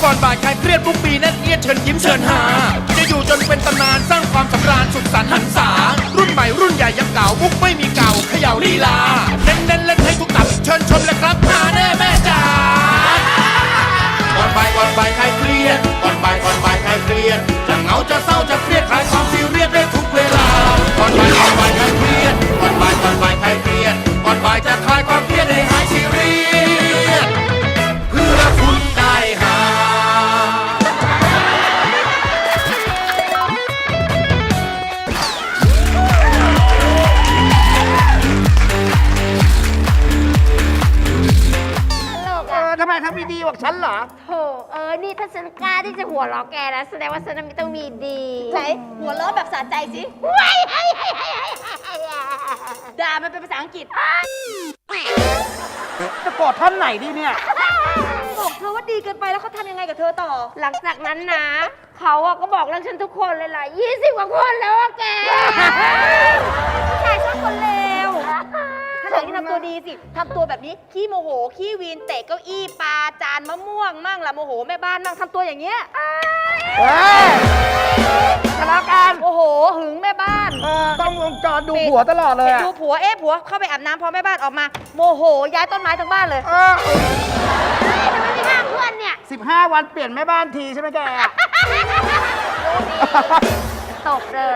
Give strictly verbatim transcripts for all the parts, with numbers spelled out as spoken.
ก่อนบ่ายคลายเครียดทุกปีแน่นเอียดเชิญยิ้มเชิญหาจะอยู่จนเป็นตำนานสร้างความสำราญสุขสันต์หันษารุ่นใหม่รุ่นใหญ่ยังเก่ามุกไม่มีเก่าเขย่าลีลาเน้นเน้นเล่นให้ทุกตับเชิญชมเลยครับหาแน่แม่จ๋าก่อนบ่ายก่อนบ่ายคลายเครียดก่อนบ่ายก่อนบ่ายคลายเครียดจะเหงาจะเศร้าจะเครียดคลายความซีเรียสได้ทุกเวลาก่อนบ่ายก่อนบ่ายคลายเครียดก่อนบ่ายก่อนบ่ายคลายเครียดก่อนบ่ายจะคลายความเครียดให้หายซีเรียสเพื่อคุณได้หาทำไมทำไม่ดีบอกฉันเหรอโถเออนี่ถ้าฉันกล้าที่จะหัวเราะแกนะแสดงว่าฉันไม่ต้องมีดีไหนหัวเราะแบบสะใจสิด่ามันเป็นภาษาอังกฤษจะโกรธท่านไหนดีเนี่ยบอกเธอว่าดีเกินไปแล้วเขาทำยังไงกับเธอต่อหลังจากนั้นนะเขาอะก็บอกเรื่องฉันทุกคนเลยล่ะยี่สิบกว่าคนแล้วอะแกผู้ชายชอบคนเลวถ้าไหนที่ทำตัวดีสิทำตัวแบบนี้ขี้โมโหขี้วีนเตะเก้าอี้ปาจานมะม่วงมั่งละโมโหแม่บ้านมั่งทำตัวอย่างเงี้ยเฮ้ยทะเลาะกันโอ้โหหึงแม่บ้านต้องวงจรดูผัวตลอดเลยดูผัวเอ๊ะผัวเข้าไปอาบน้ำพอแม่บ้านออกมาโมโหย้ายต้นไม้ทั้งบ้านเลยทำไมไม่ห้ามเพื่อนเนี่ยสิบห้าวันเปลี่ยนแม่บ้านทีใช่ไหมแกตบเลย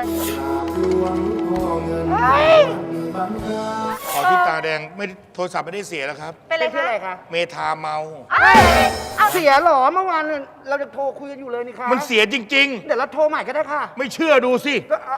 ขอที่ตาแดงไม่โทรศัพท์ไม่ได้เสียแล้วครับเป็นอะไรคะเมทาเมาเสียหรอเมื่อวานเราจะโทรคุยกันอยู่เลยนี่ค่ะมันเสียจริงๆเดี๋ยวเราโทรใหม่ก็ได้ค่ะไม่เชื่อดูสิ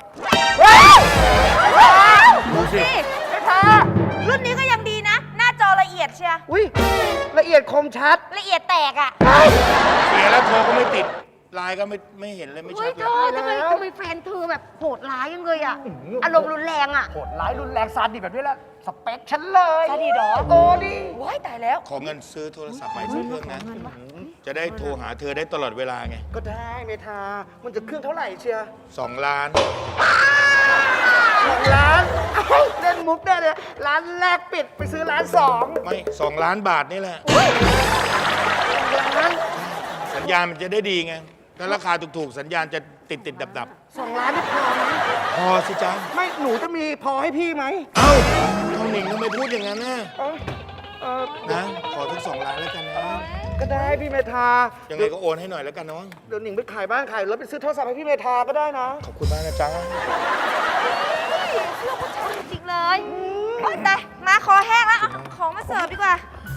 ดูสิเธอรุ่นนี้ก็ยังดีนะหน้าจอละเอียดเชียอุ้ยละเอียดคมชัดละเอียดแตกอ่ะเสียแล้วโทรก็ไม่ติดไลน์ก็ไม่ไม่เห็นเลยไม่ชัดเลยทำไมทำไมแฟนเธอแบบโหดร้ายยังเลยอ่ะอารมณ์รุนแรงอ่ะโหดร้ายรุนแรงซาดิสแบบนี้แหละสเปคฉันเลยซาดิสหรอโอ้ดิว้ายตายแล้วขอเงินซื้อโทรศัพท์ใหม่สักเครื่องนะจะได้โทรหาเธอได้ตลอดเวลาไงก็ได้เมทามันจะเครื่องเท่าไหร่เชียร์สองล้านสองล้านเล่นมุกได้เลยร้านแรกปิดไปซื้อร้านสองไม่สองล้านบาทนี่แหละสัญญาณมันจะได้ดีไงถ้าราคาถูกๆสัญญาณจะติดติดดับดับสองล้านนี่พอไหมพอสิจ๊ะไม่หนูจะมีพอให้พี่ไหมเอ้าน้องหนิงทำไมพูดอย่างนั้นนะนะขอทั้งสองล้านแล้วกันนะก็ได้พี่เมธายังไงก็โอนให้หน่อยแล้วกันน้องเดี๋ยวหนิงไปขายบ้านขายรถไปซื้อโทรศัพท์ให้พี่เมธาก็ได้นะขอบคุณมากนะจ๊ะเชื่อผู้ชายจริงเลยแต่มาคอแห้งแล้วของมาเสิร์ฟดีกว่า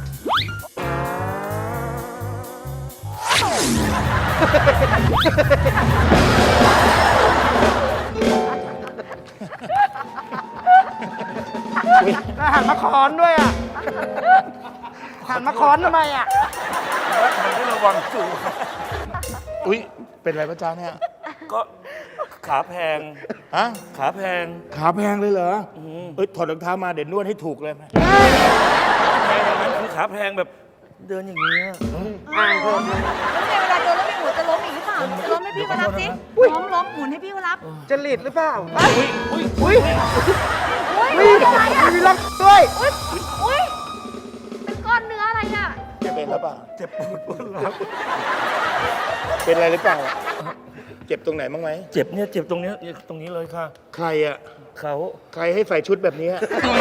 หันมาคอนด้วยอ่ะหันมาคอนทำไมอ่ะมันไม่ระวังสูอุ้ยเป็นไรพระจ้าเนี่ยก็ขาแพงฮะขาแพงขาแพงเลยเหรอเอ้ยถอดรองเท้ามาเดี๋ยวนวดให้ถูกเลยไหมแพงอย่างนั้นคือขาแพงแบบเดินอย่างนี้อ่างเพิ่มแล้วในเวลาเดินแล้วไม่หมุนจะล้มอีกหรือเปล่าจะล้มให้พี่เขารับสิล้มล้มหมุนให้พี่เขารับจะหลีดหรือเปล่าอุ้ยอุ้ยอุ้ยอุ้ยอะไรอ่ะมีล็อกด้วยอุ้ยอุ้ยเป็นก้อนเนื้ออะไรอ่ะจะเป็นหรือเปล่าเจ็บปวดปวดหลังเป็นอะไรหรือเปล่าเจ็บตรงไหนบ้างไหมเจ็บเนี่ยเจ็บตรงนี้ตรงนี้เลยค่ะใครอ่ะเขาใครให้ใส่ชุดแบบนี้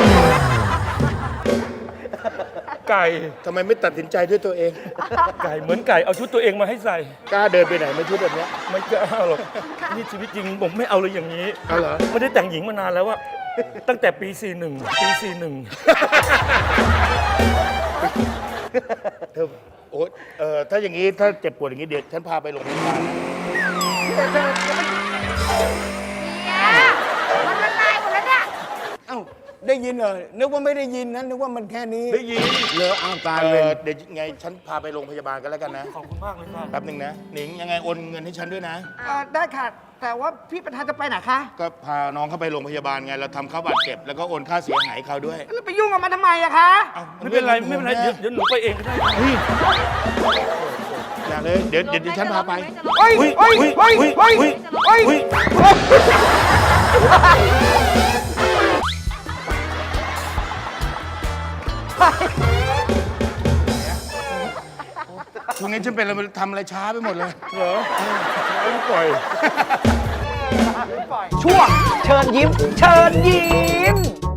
ไก่ทำไมไม่ตัดสินใจด้วยตัวเองไก่เหมือนไก่เอาชุดตัวเองมาให้ใส่กล้าเดินไปไหนไม่ชุดแบบนี้ไม่กล้าหรอกนี่ชีวิตจริงผมไม่เอาเลยอย่างนี้เอาเหรอไม่ได้แต่งหญิงมานานแล้วว่าตั้งแต่ปีสี่หนึ่งปีสี่หนึ่งเธอโอ๊ยเออถ้าอย่างนี้ถ้าเจ็บปวดอย่างนี้เดี๋ยวฉันพาไปโรงพยาบาลมันละลายหมดแล้วเนี่ยเอ้าได้ยินเหรอนึกว่าไม่ได้ยินนะนึกว่ามันแค่นี้ได้ยินเลออ้าวตายเลยเดี๋ยวไงฉันพาไปโรงพยาบาลกันแล้วกันนะขอบคุณมากเลยครับแป๊บหนึ่งนะหนิงยังไงโอนเงินให้ฉันด้วยนะได้ค่ะแต่ว่าพี่ประธานจะไปไหนคะก็พาน้องเข้าไปโรงพยาบาลไงเราทำค่าบาดเจ็บแล้วก็โอนค่าเสียหายเขาด้วยแล้วไปยุ่งกับมันทำไมอะคะไม่เป็นไรไม่เป็นไรเดี๋ยวหนูไปเองก็ได้อย่าเลยเดี๋ยวเดี๋ยวฉันพาไปโอ้ยโอ้ยโอ้ยโอ้ยโอ้ยช่วงนี้ฉันเป็นอะไรทำอะไรช้าไปหมดเลยเหรอไม่ปล่อยช่วงเชิญยิ้ม เชิญยิ้ม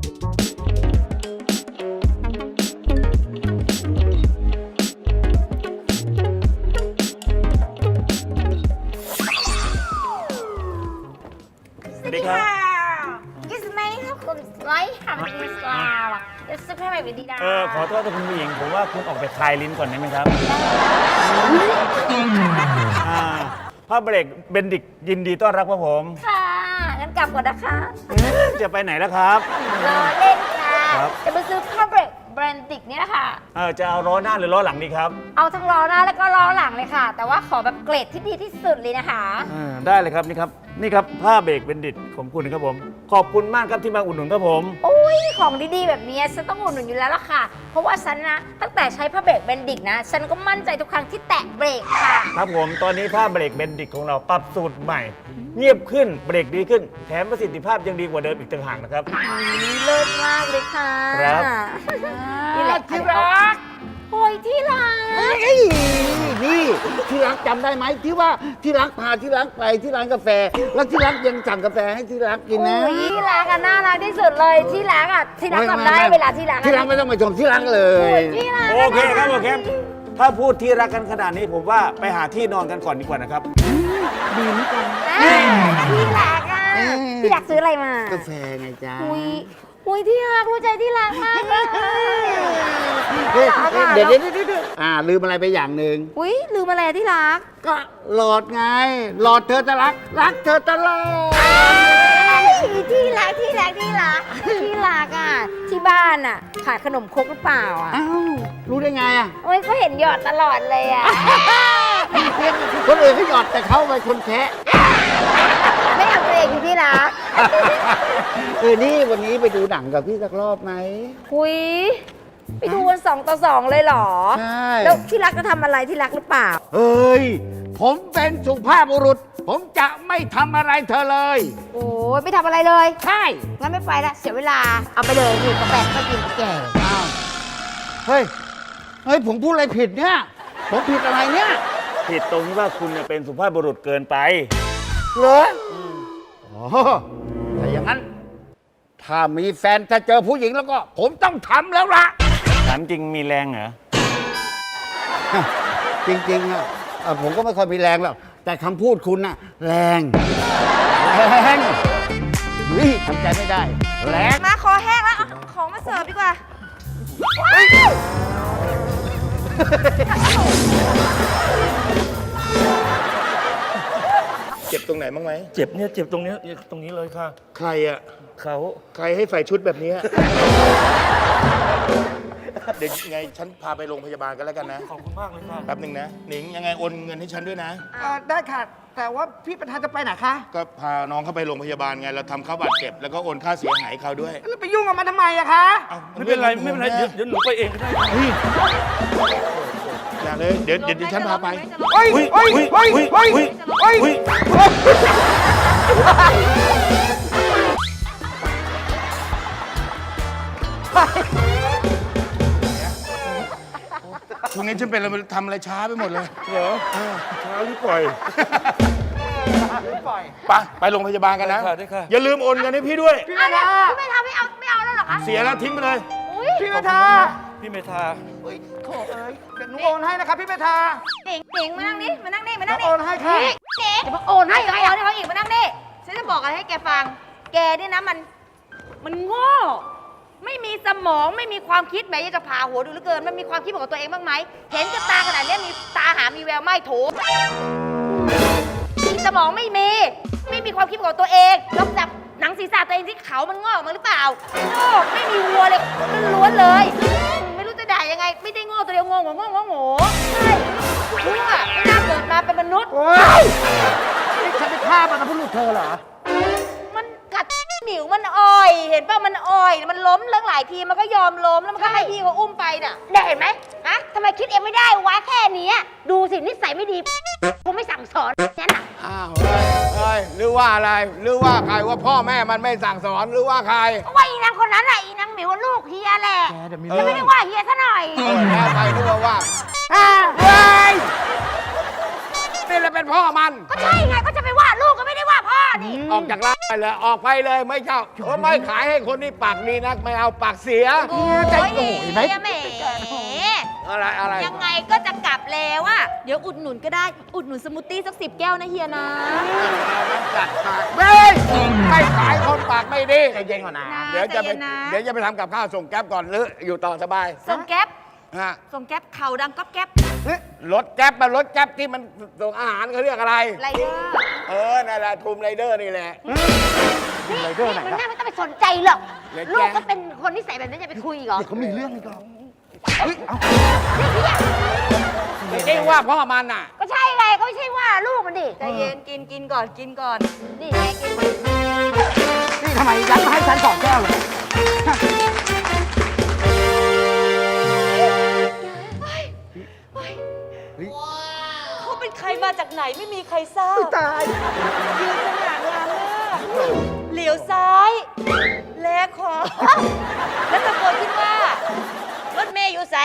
สวัสดีครับกิสไม่ครับคุณไลท์ทำกิสลาวอ่ะเดี๋ยวซื้อให้แบบดีดาเออขอโทษนะคุณผู้หญิงผมว่าคุณออกไปคลายลิ้นก่อนได้ไหมครับอ่าผ้าเบรกเบนดิกยินดีต้อนรับครับผมค่ะงั้นกลับก่อนนะคะจะไปไหนแล้วครับรอเล่นค่ะครับจะไปซื้อผ้าเบรกแบรนดิกนี่นะคะเออจะเอาล้อหน้าหรือล้อหลังดีครับเอาทั้งล้อหน้าแล้วก็ล้อหลังเลยค่ะ แต่ว่าขอแบบเกรดที่ดีที่สุดเลยนะคะเออได้เลยครับนี่ครับนี่ครับผ้าเบรกเบนดิตของคุณครับผมขอบคุณมากครับที่มาอุดหนุนครับผมโอ้ยของดีๆแบบนี้ฉันต้องอุดหนุนอยู่แล้วล่ะค่ะ เพราะว่าฉันนะตั้งแต่ใช้ผ้าเบรกแบนดิกนะฉันก็มั่นใจทุกครั้งที่แตะเบรกค่ะครับผมตอนนี้ผ้าเบรกเบนดิตของเราปรับสูตรใหม่ เงียบขึ้นเบรกดีขึ้น แถมประสิทธิภาพยังดีกว่าเดิมอีกต่างหากนะครับเลิศมากเลยค่ะครับนี่แหละที่รักโอ้ยที่รักเฮ้ยนี่ที่รักจำได้ไหมที่ว่าที่รักพาที่รักไปที่ร้านกาแฟ แล้วที่รักยังสั่งกาแฟให้ที่รักกินนะโอ้ยที่รักอะน่ารักที่สุดเลยที่รักอะที่รักไม่ทำได้ไม่เวลาที่รักอะที่รักไม่ต้องมาชมที่รักเลโอ้ยยที่รักโอเคครับโอเคถ้าพูดที่รักกันขนาดนี้ผมว่าไปหาที่นอนกันก่อนดีกว่านะครับอ่าที่รักอะเออที่รักซื้ออะไรมากาแฟไงจ๊ะอุ้ยอุ้ยที่รักรู้ใจที่รักมากเลยเฮ้ยน่ารักอะเดี๋ยวเดี๋ยวเดี๋ยวเดี๋ยวอ่าลืมอะไรไปอย่างหนึ่งอุ้ยลืมอะไรอะที่รักก็หลอดไง หลอดเธอจะรัก รักเธอตลอดที่รักที่รักที่รักที่รักอ่ะที่บ้านอ่ะขายขนมครกหรือเปล่าอ่ะอ้าว รู้ได้ไงอ่ะโอ้ยก็เห็นหยอดตลอดเลยอ่ะคนอื่นเขาหยอดแต่เขาไปคนแคะไม่เอาตัวเองอยู่ที่รักเออนี่วันนี้ไปดูหนังกับพี่สักรอบไหมคุยไปดูกันสองต่อสองเลยเหรอใช่แล้วที่รักจะทำอะไรที่รักหรือเปล่าเฮ้ย ผมเป็นสุภาพบุรุษ ผมจะไม่ทำอะไรเธอเลยโอ้ยไม่ทำอะไรเลยใช่งั้นไม่ไปละเสียเวลาเอาไปเลยนี่กาแฟก็กินแก่อ้าวเฮ้ย เฮ้ย ผมพูดอะไรผิดเนี่ย ผมผิดอะไรเนี่ยผิดตรงที่ว่าคุณเนี่ยเป็นสุภาพบุรุษเกินไปเหรออ๋อถ้าอย่างนั้น ถ้ามีแฟนถ้าเจอผู้หญิงแล้วก็ ผมต้องทำแล้วล่ะถามจริงมีแรงเหรอจริงๆอะเอ่อผมก็ไม่ค่อยมีแรงหรอกแต่คำพูดคุณน่ะ แรงแรงเฮ้ยทำใจไม่ได้ แรงมาคอแห้งแล้วเอาของมาเสิร์ฟดีกว่าเจ็บตรงไหนบ้างไหมเจ็บเนี่ยเจ็บตรงเนี้ยตรงนี้เลยค่ะใครอะเขาใครให้ใส่ชุดแบบนี้ เดี๋ยวยังไงฉันพาไปโรงพยาบาลกันแล้วกันนะขอบคุณมากเลยค่ะแป๊บหนึ่งนะ หนิงยังไงโอนเงินให้ฉันด้วยนะเอ่อได้ค่ะ แต่ว่าพี่ประธานจะไปไหนคะก็พาน้องเข้าไปโรงพยาบาลไง เราทำเขาบาดเจ็บ แล้วก็โอนค่าเสียหายให้เขาด้วยแล้วไปยุ่งกับมันทำไมอะคะอ้าไม่เป็นไรไม่เป็นไรเดี๋ยวเดี๋ยวหนูไปเองก็ได้ค่ะเฮ้ยอย่าเลย เดี๋ยวเดี๋ยวเดี๋ยวฉันพาไปเฮ้ยเฮ้ยเฮ้ยเฮ้ยเฮ้ยเฮ้ยช่วงนี้ฉันเป็นอะไรทำอะไรช้าไปหมดเลยเหรอช้าหรือปล่อยปล่อยไป ไปโรงพยาบาลกันนะได้ค่ะได้ค่ะอย่าลืมโอนเงินให้พี่ด้วยพี่เมธาพี่ไม่ทำไม่เอาไม่เอาแล้วเหรอคะเสียแล้วทิ้งไปเลยอุ้ยพี่เมธาพี่เมธาเฮ้ยโถเอ้ยเดี๋ยวหนูโอนให้นะครับพี่เมธาหนิงหนิงมานั่งนี่มานั่งนี่มานั่งโอนี่นให้ค่ะหนิงหนิงจะมาโอนให้ให้ใครเขาอ่ะให้เขาอีกมานั่งนี่ฉันจะบอกอะไรให้แกฟัง แกนี่นะมันมันโง่ ไม่มีสมองไม่มีความคิดแหมอยากจะผ่าหัวดูเหลือเกินมันมีความคิดของตัวเองบ้างไหมเห็นกับตาขนาดเนี้ยมีตาหามีแววไม่โถมีสมองไม่มี ไม่มีความคิดของตัวเองลองจับหนังศีรษะตัวเองที่เขามันงอกออกมาหรือเปล่าโง่ไม่มีวัวเลยมันล้วนเลยไม่รู้จะด่ายังไง ไม่ได้โง่ตัวเดียวโง่โง่โง่โง่โง่ใช่ชั่วไม่น่าเกิดมาเป็นมนุษย์โอ้ยนี่ฉันไปฆ่ามันนะพูดเธอเหรอมันกัดหมิวมันอ่อย เห็นป่ะมันอ่อย มันล้มเรื่องหลายทีมันก็ยอมล้มแล้วมันก็ให้พี่เขาอุ้มไปน่ะได้เห็นไหมฮะทำไมคิดเองไม่ได้วะแค่เนี้ยดูสินิสัยไม่ดีกูไม่สั่งสอนนั่นน่ะอ้าวเฮ้ยเฮ้ยหรือว่าอะไร หรือว่าใครว่าพ่อแม่มันไม่สั่งสอนหรือว่าใครว่าอีนางคนนั้นแหละอีนางหมิวลูกเฮียแหละแกเดี๋ยวมีจะไม่ได้ว่าเฮียซะหน่อยเออแล้วใครรู้ว่าว่าอ่าเฮ้ยเป็นพ่อมันก็ใช่ไงก็จะไปว่าลูกก็ไม่ได้ว่าพ่อนี่ออกจากร้านไปเลยออกไปเลยไม่เจ้าเออไม่ขายให้คนที่ปากดีนักไม่เอาปากเสียโอ้ยใจโอ้ยไหมแหมอะไรอะไรยังไงก็จะกลับแล้วอะเดี๋ยวอุดหนุนก็ได้อุดหนุนสมูทตี้สักสิบแก้วนะเฮียนะจัดปากเบ้ยไม่ขายคนปากไม่ดีใจเย็นก่อนนะเดี๋ยวจะไปใจเย็นนะเดี๋ยวจะไปทำกับข้าวส่งแก๊ปก่อนหรืออยู่ต่อสบายส่งแก๊ปฮะส่งแก๊ปเข่าดังก๊อบแก๊ปรถแก๊ปมันรถแก๊ปที่มันส่งอาหารเขาเรียกอะไรไรเดอร์เออนั่นแหละทูมไรเดอร์นี่แหละนี่นี่มันน่าไม่ต้องไปสนใจหรอกเล็กแกลูกก็เป็นคนนิสัยแบบนี้จะไปคุยอีกเหรอเดี๋ยวเขามีเรื่องอีกแล้วไม่ใช่ว่าพ่อมันน่ะก็ใช่ไงก็ไม่ใช่ว่าลูกมันดิใจเย็นกินกินก่อนกินก่อนนี่ไงกินนี่ทำไมยัดมาให้ฉันสองแก้วเลยเขาเป็นใครมาจากไหนไม่มีใครทราบตายยืนสง่างามมากเหลียวซ้าย แลขวาแล้วตะโกนขึ้นว่ารถเมย์อยู่ใส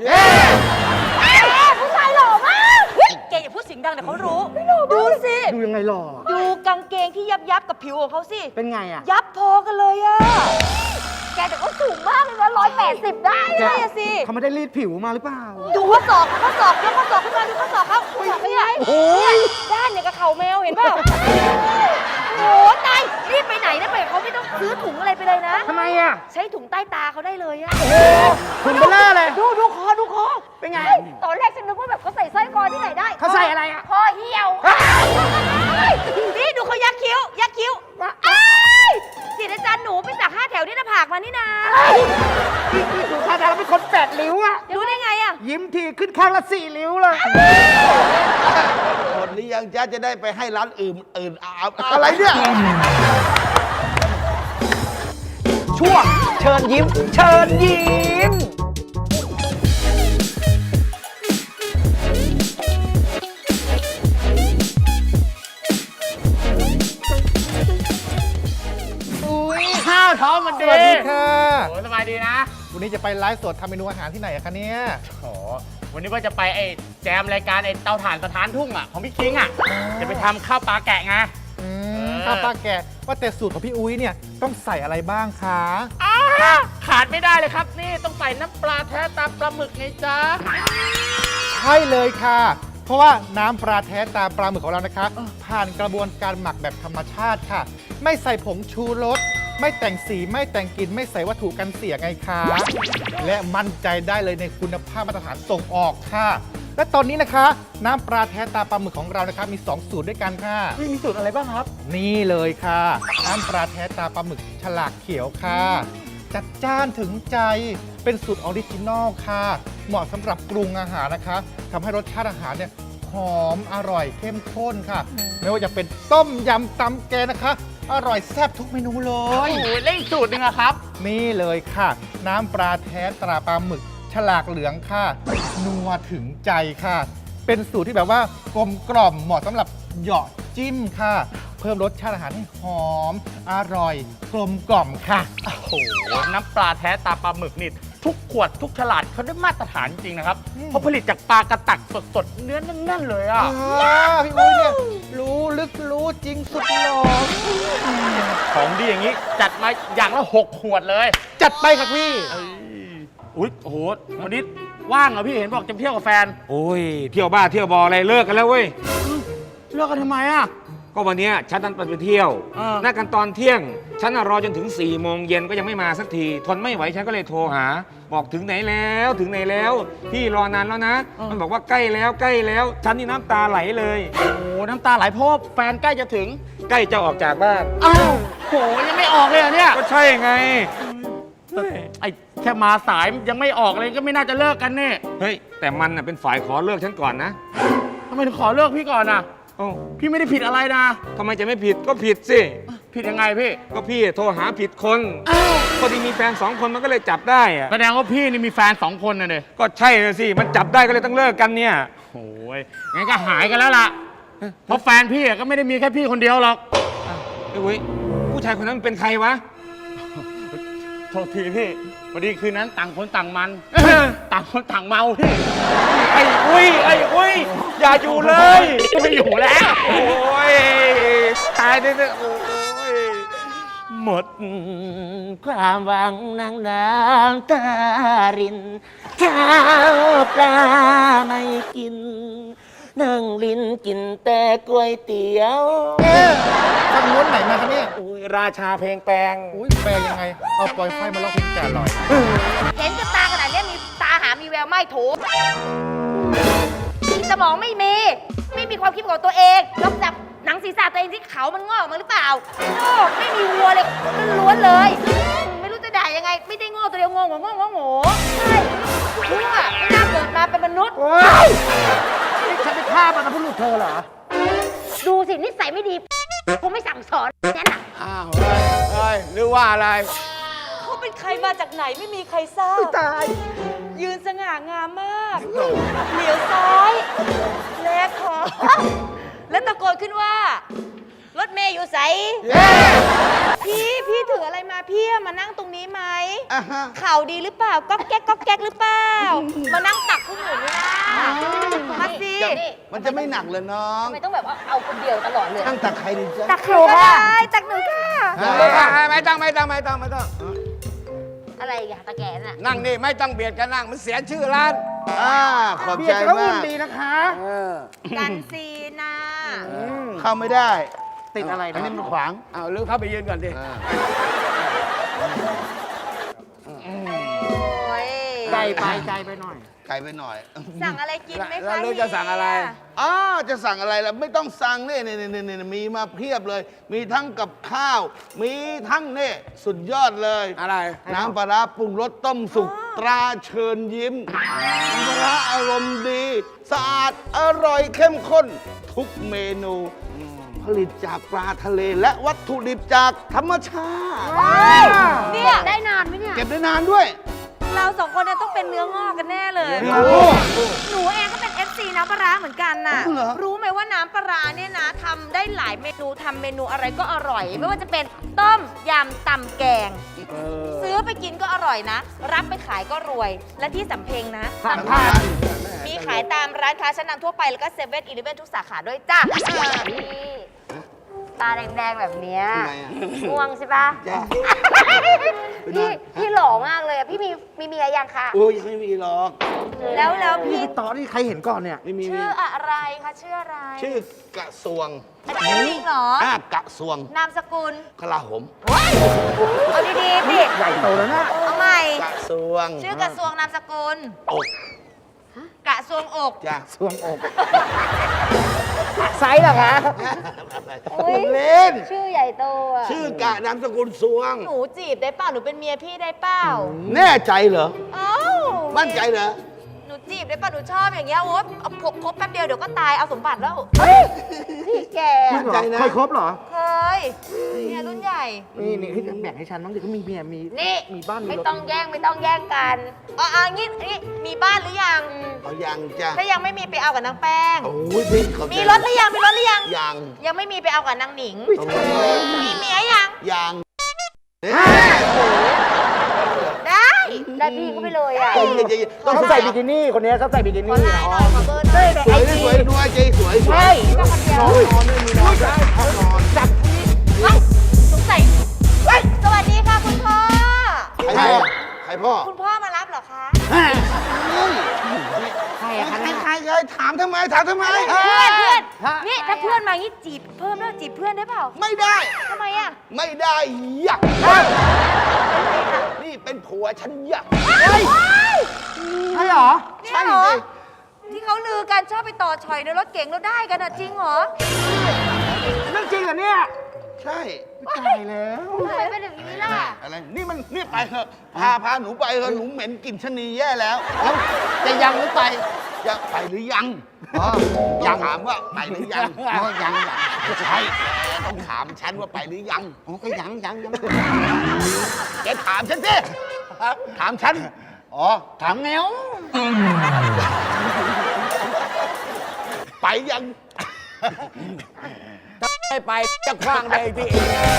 ผู้ชายหล่อมากแกอย่าพูดเสียงดังเดี๋ยวเขารู้ ดูสิดูยังไงหล่อดูกางเกงที่ยับยับๆกับผิวของเขาสิเป็นไงอ่ะยับพอกันเลยอะแกแต่ก็สูงมากเลยนะร้อยแปดสิบได้ใช่อะสิเขาไม่ได้รีดผิวมาหรือเปล่าดูข้อศอกข้อศอกยกข้อศอกขึ้นมาดูข้อศอกเขาข้อศอกเป็นไงเนี่ยด้านเนี่ยกับเข่าแมวเห็นเปล่าโอ้ตายรีบไปไหนนะไปเขาไม่ต้องซื้อถุงอะไรไปเลยนะทำไมอ่ะใช้ถุงใต้ตาเขาได้เลยอะคุณเบลล่าเลยดูดูคอดูคอเป็นไงตอนแรกฉันนึกว่าแบบเขาใส่สร้อยคอที่ไหนได้เขาใส่อะไรอ่ะคอเหี่ยวนี่ดูเขายักคิ้ว ยักคิ้วอ้ายจิตอาจารย์หนูไปสักห้าแถวที่หน้าผากมานี่นาดูท่าทางเป็นคนแปดริ้วอ่ะรู้ได้ไงอะยิ้มทีขึ้นข้างละสี่ริ้วเลยหมดหรือยังจ้าจะได้ไปให้ร้านอื่นอื่นเอาอะไรเนี่ย ช่วงเชิญยิ้ม เชิญยิ้มข้าวท้องมันสดีวัสดีค่ะโอ้สบายดีนะวันนี้จะไปไลฟ์สดทำเมนูอาหารที่ไหนอะคะเนี่ยโอ้วันนี้ว่าจะไปไอ้แจมรายการไอ้เตาถ่านสถานทุ่งอ่ะของพี่คิงอ่ะจะไปทำข้าวปลาแกะไงอืมเออข้าวปลาแกะว่าแต่สูตรของพี่อุ้ยเนี่ยต้องใส่อะไรบ้างคะอ้าขาดไม่ได้เลยครับ นี่ต้องใส่น้ำปลาแท้ตามปลาหมึกไงจ๊ะใช่เลยค่ะ เพราะว่าน้ำปลาแท้ตาปลาหมึกของเรานะคะ ผ่านกระบวนการหมักแบบธรรมชาติค่ะ ไม่ใส่ผงชูรสไม่แต่งสีไม่แต่งกลิ่นไม่ใส่วัตถุกันเสียไงคะและมั่นใจได้เลยในคุณภาพมาตรฐานส่งออกค่ะ และตอนนี้นะคะ น้ำปลาแท้ตาปลาหมึกของเรานะคะมีสองสูตรด้วยกันค่ะมีสูตรอะไรบ้างครับนี่เลยค่ะ น้ำปลาแท้ตาปลาหมึกฉลากเขียวค่ะ จัดจ้านถึงใจเป็นสูตรออริจินอลค่ะ เหมาะสำหรับปรุงอาหารนะคะทำให้รสชาติอาหารเนี่ยหอมอร่อยเข้มข้นค่ะ ไม่ว่าจะเป็นต้มยำตำแกงนะคะ อร่อยแซ่บทุกเมนูเลโอ้ยโหเล่นอีกสูตรหนึงอะครับนี่เลยค่ะ น้ำปลาแท้ตราปลาหมึก ฉลากเหลืองค่ะ นัวถึงใจค่ะ เป็นสูตรที่แบบว่ากลมกล่อมเหมาะสำหรับเหยาะจิ้มค่ะ เพิ่มรสชาติอาหารให้หอม อร่อย กลมกล่อมค่ะโอ้โห น้ำปลาแท้ตาปลาหมึกนี่ทุกขวดทุกฉลาดเขาได้มาตรฐานจริงนะครับ เพราะผลิตจากปลากระตักสดๆ เนื้อแน่นๆเลยอ่ะอ่าพี่อุ้ยเนี่ยรู้ลึกรู้จริงสุดหล่อของดีอย่างนี้จัดมาอย่างละหกขวดเลยจัดไปค่ะพี่อุ้ยโอ้โห วันนี้ว่างเหรอพี่เห็นบอกจะเที่ยวกับแฟนโอ้ย เที่ยวบ้าเที่ยวบออะไรเลิกกันแล้วเว้ยเลิกกันทำไมอ่ะก็วันเนี้ยฉันนัดไปเที่ยวเออนัดกันตอนเที่ยง ฉันน่ะรอจนถึง4ี่โมงเย็นก็ยังไม่มาสักที ทนไม่ไหวฉันก็เลยโทรหา บอกถึงไหนแล้วถึงไหนแล้ว พี่รอนานแล้วนะ มันบอกว่าใกล้แล้วใกล้แล้ว ฉันนี่น้ำตาไหลเลยโอ้โหน้ำตาไหลเพราะว่าแฟนใกล้จะถึงใกล้จะออกจากบ้านอ้าวโหยังไม่ออกเลยเหรอเนี่ยก็ใช่ไงไอ้แค่มาสายยังไม่ออกเลยก็ไม่น่าจะเลิกกันเนี่ยเฮ้ย แต่มันน่ะเป็นฝ่ายขอเลิกฉันก่อนนะทำไมถึงขอเลิกพี่ก่อนอ่ะโอ้าพี่ไม่ได้ผิดอะไรนะทำไมจะไม่ผิดก็ผิดสิผิดยังไงพี่ก็พี่โทรหาผิดคนพอดีมีแฟนสองคนมันก็เลยจับได้อะแสดงว่าพี่นี่มีแฟนสองคนนะเด็ก็ใช่เลยสิ มันจับได้ก็เลยต้องเลิกกันเนี่ยโอ้ยงั้นก็หายกันแล้วล่ะ เพราะแฟนพี่อะก็ไม่ได้มีแค่พี่คนเดียวหรอกไอ้เว้ยผู้ชายคนนั้นมันเป็นใครวะโทษทีพี่พอดีคืนนั้นต่างคนต่างมัน ต่างคนต่างเมาพี่ไอ้อุ้ย ไอ้อุ้ยอย่าอยู่เลยไม่อยู่แล้วโอ้ยตายเลยโอ้ยหมดความหวังนางน้ำตารินข้าวปลาไม่กิน นั่งลิ้นกินแต่ก๋วยเตี๋ยวเอ๊ะทางม้วนไหนมาคะเนี่ยอุ้ยราชาเพลงแปลงอุ้ยแปลยังไง เอาปล่อยไฟมาลอกเพลงแก่ลอยเห็นกับตาขนาดเนี้ยมีตาหามีแววไม่โถสมองไม่มี ไม่มีความคิดของตัวเองนอกจากหนังศีรษะตัวเองที่เขามันงอกออกมาหรือเปล่าโอ้ไม่มีวัวเลยล้วนๆเลย ไม่รู้จะด่ายังไง ไม่ได้โง่ตัวเดียวโง่โง่โง่โง่โง่ใช่ชั่วไม่น่าเกิดมาเป็นมนุษย์นี่ฉันไปฆ่ามันนะพูดเธอเหรอดูสินิสัยไม่ดีคงไม่สั่งสอนนั่นน่ะอ้าวเฮ้ยเฮ้ยหรือว่าอะไรเขาเป็นใครมาจากไหนไม่มีใครทราบตายยืนสง่างามมาก เหลียวซ้าย แลขวาแล้วตะโกนขึ้นว่า รถเมย์อยู่ใสเย้พี่พี่ถืออะไรมาพี่มานั่งตรงนี้ไหมอ่ะฮะข่าวดีหรือเปล่าก๊อกแก๊กก๊อกแก๊กหรือเปล่า มานั่งตักพวกหนูนี่นะมาสิมันจะไม่หนักเลยน้องทำไมต้องแบบว่าเอาคนเดียวตลอดเลยตั้งตักใครดีจ๊ะตักหนูก็ได้ตักหนูค่ะไม่ต้องไม่ต้องไม่ต้องไม่ต้องอะไรอีกันตะแกน่ะนั่งนี่ไม่ต้องเบียดกันนั่งมันเสียชื่อร้านอ่าขอบใจมากดีนะคะกันซีนาเข้าไม่ได้ ติดอะไรอันนี้มันขวางอ้าวลืมเข้าไปยืนก่อนดิโอ้ยไกลไปไกลไปหน่อย ไกลไปหน่อยสั่งอะไรกินไหมคะแล้วลูกจะสั่งอะไรอ๋อจะสั่งอะไรล่ะไม่ต้องสั่งนี่นี่นี่นี่มีมาเพียบเลย มีทั้งกับข้าว มีทั้งนี่สุดยอดเลย อะไร น้ำปลาร้าปรุงรสต้มสุกตราเชิญยิ้มน้ำปลาร้าอารมณ์ดี สะอาดอร่อยเข้มข้น ทุกเมนู ผลิตจากปลาทะเลและวัตถุดิบจากธรรมชาติเนี่ยได้นานไหมเนี่ยเก็บได้นานด้วยเราสองคนเนี่ยต้องเป็นเนื้องอกกันแน่เลยเนื้องอกหนูเองก็เป็น เอฟ ซี น้ำปลาร้าเหมือนกันน่ะอ๋อเหรอรู้ไหมว่าน้ำปลาร้าเนี่ยนะทำได้หลายเมนูทำเมนูอะไรก็อร่อย ไม่ว่าจะเป็นต้มยำตำแกง ซื้อไปกินก็อร่อยนะ รับไปขายก็รวย และที่สำเพ็งนะสำคัญมีขายตามร้านค้าชั้นนำทั่วไปแล้วก็เซเว่นอีเลฟเว่นทุกสาขาด้วยจ้ะพี่ตาแดงๆแบบเนี้ยทำไมอ่ะง่วงใช่ปะจ้ะพี่พี่หล่อมากเลยอะพี่มีมีเมียยังคะโอ้ยยังไม่มีหรอกแล้วแล้วพี่ต่อนี่ใครเห็นก่อนเนี่ย ไม่มีชื่ออะไรคะชื่ออะไรชื่อกระทรวงอันนี้จริงเหรออ่ากระทรวงนามสกุลกลาโหมเอาดีๆสิใหญ่โตแล้วนะเอาใหม่กระทรวงชื่อกระทรวงนามสกุลอกกระทรวงอกจ้ะทรวงอกไซส์เหรอคะผมเล่นชื่อใหญ่โตอะชื่อกะนามสกุลสวงหนูจีบได้เปล่าหนูเป็นเมียพี่ได้เปล่าแน่ใจเหรอเอ้ามั่นใจเหรอหนูจีบได้เปล่าหนูชอบอย่างเงี้ยโอ๊ยเอาพกคบแป๊บเดียวเดี๋ยวก็ตายเอาสมบัติแล้วพี่แกมั่นใจนะเคยครบเหรอเคยเนี่ยรุ่นใหญ่นี่นี่ให้แบ่งให้ฉันบ้างดิเขามีเมียมีนี่มีบ้านมีไม่รถต้องแย่งไม่ต้องแย่งกันอ๋ออ่ะงี้งี้มีบ้านหรือยังเอายังจ้ะถ้ายังไม่มีไปเอากับนางแป้งโอ้ยพี่ขอบใจมีรถหรือยังมีรถหรือยังยังยังไม่มีไปเอากับนางหนิง มีเมียยังยังได้ได้พี่เขาไปเลยอะใจเย็นใจเย็นต้องเขาใส่บิกินี่คนนี้เขาใส่บิกิขอนี่ไลน์หน่อยขอเบอร์หน่อยสวยสวยด้วยใจสวยสวยใช่ก็คนเดียวนอนไม่มีนอนได้ห้องนอนจับเฮ้ยสงสัยเฮ้ยสวัสดีค่ะคุณพ่อใครพ่อใครพ่อคุณพ่อมารับเหรอคะใครใครใครใครถามทำไมถามทำไมเพื่อนเพื่อนนี่ถ้าเพื่อนมางี้จีบเพิ่มแล้วจีบเพื่อนได้เปล่าไม่ได้ทำไมอ่ะไม่ได้อยากนี่เป็นผัวฉันอยากใช่เหรอเนี่ยเหรอ ที่เขาลือกันชอบไปต่อชอยในรถเก๋งแล้วได้กันอะจริงเหรอเรื่องจริงเหรอเนี่ยใช่ตายแล้วทำไมเป็นแบบนี้ล่ะอะไรนี่มันนี่ไปเถอะพาพาหนูไปเถอะหนูเหม็นกลิ่นชะนีแย่แล้วแล้วจะยังหรือไปยังไปหรือยังอ๋อยังถามว่าไปหรือยังอ๋อยังยังไม่ใช่ต้องถามฉันว่าไปหรือยังอ๋อก็ยังยังยังแกถามฉันสิถามฉันอ๋อถามแนวไปยัง ไม่ไปจะคว้างเลยที่เอง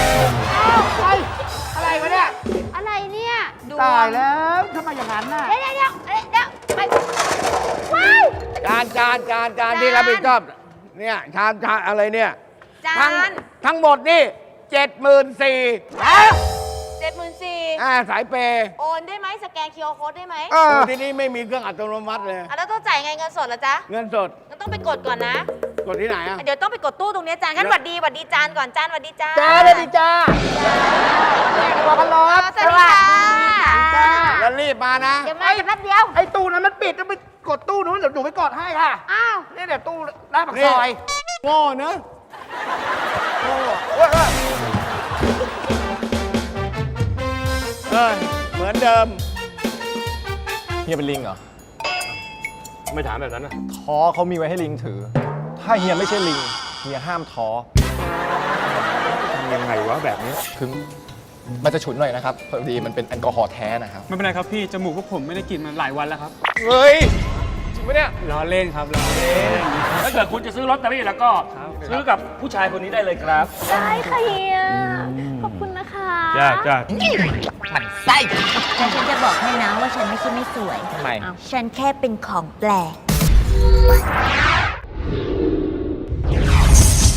อะไรวะเนี่ยอะไรเนี่ยดูตายแล้วทำไมอย่างนั้นน่ะเดี๋ยวเดี๋ยวเดี๋ยวเดี๋ยวไปว้ายจานจานจานจานที่รับผิดชอบเนี่ยชานชานอะไรเนี่ยจาทั้งนทั้งหมดนี่เจ็ดหมื่นสี่เจ็ดหมื่นสี่อ่าสายเปย์โอนได้ไหมสแกน คิว อาร์ Code ได้ไหมโอ้ที่นี่ไม่มีเครื่องอัตโนมัติเลยอ่ะแล้วต้องจ่ายไงเงินสดเหรอจ๊ะเงินสดงั้นต้องไปกดก่อนนะกดที่ไหนอ่ะเดี๋ยวต้องไปกดตู้ตรงเนี้ยจานงั้นหวัดดีหวัดดีจานก่อนจานหวัดดีจ้าจ้าเลยดิจ้าบอกกันรอสวัสดีค่ะแล้วรีบมานะเดี๋ยวมาจะแป๊บเดียวไอ้ตู้นั้นมันปิดต้องไปกดตู้นู้นเดี๋ยวหนูไปกดให้ค่ะอ้าวนี่เดี๋ยวตู้หน้าปากซอยโง่เนอะโง่เว้ยเว้ยเอ้ยเหมือนเดิมเฮียเป็นลิงเหรอไม่ถามแบบนั้นนะท้อเขามีไว้ให้ลิงถือ ถ้าเฮียไม่ใช่ลิง เฮียห้ามท้อยังไงวะแบบนี้คือมันจะฉุนหน่อยนะครับ พอดีมันเป็นแอลกอฮอล์แท้นะครับไม่เป็นไรครับพี่ จมูกพวกผมไม่ได้กลิ่นมาหลายวันแล้วครับเฮ้ย จริงปะเนี่ยล้อเล่นครับล้อเล่นถ้าเกิดคุณจะซื้อลอตเตอรี่แล้วก็ซื้อกับผู้ชายคนนี้ได้เลยครับได้ค่ะเฮีย ขอบคุณนะคะจ้าจ้าแต่ฉันจะบอกให้นะว่าฉันไม่ใช่ไม่สวยทำไมฉันแค่เป็นของแปลก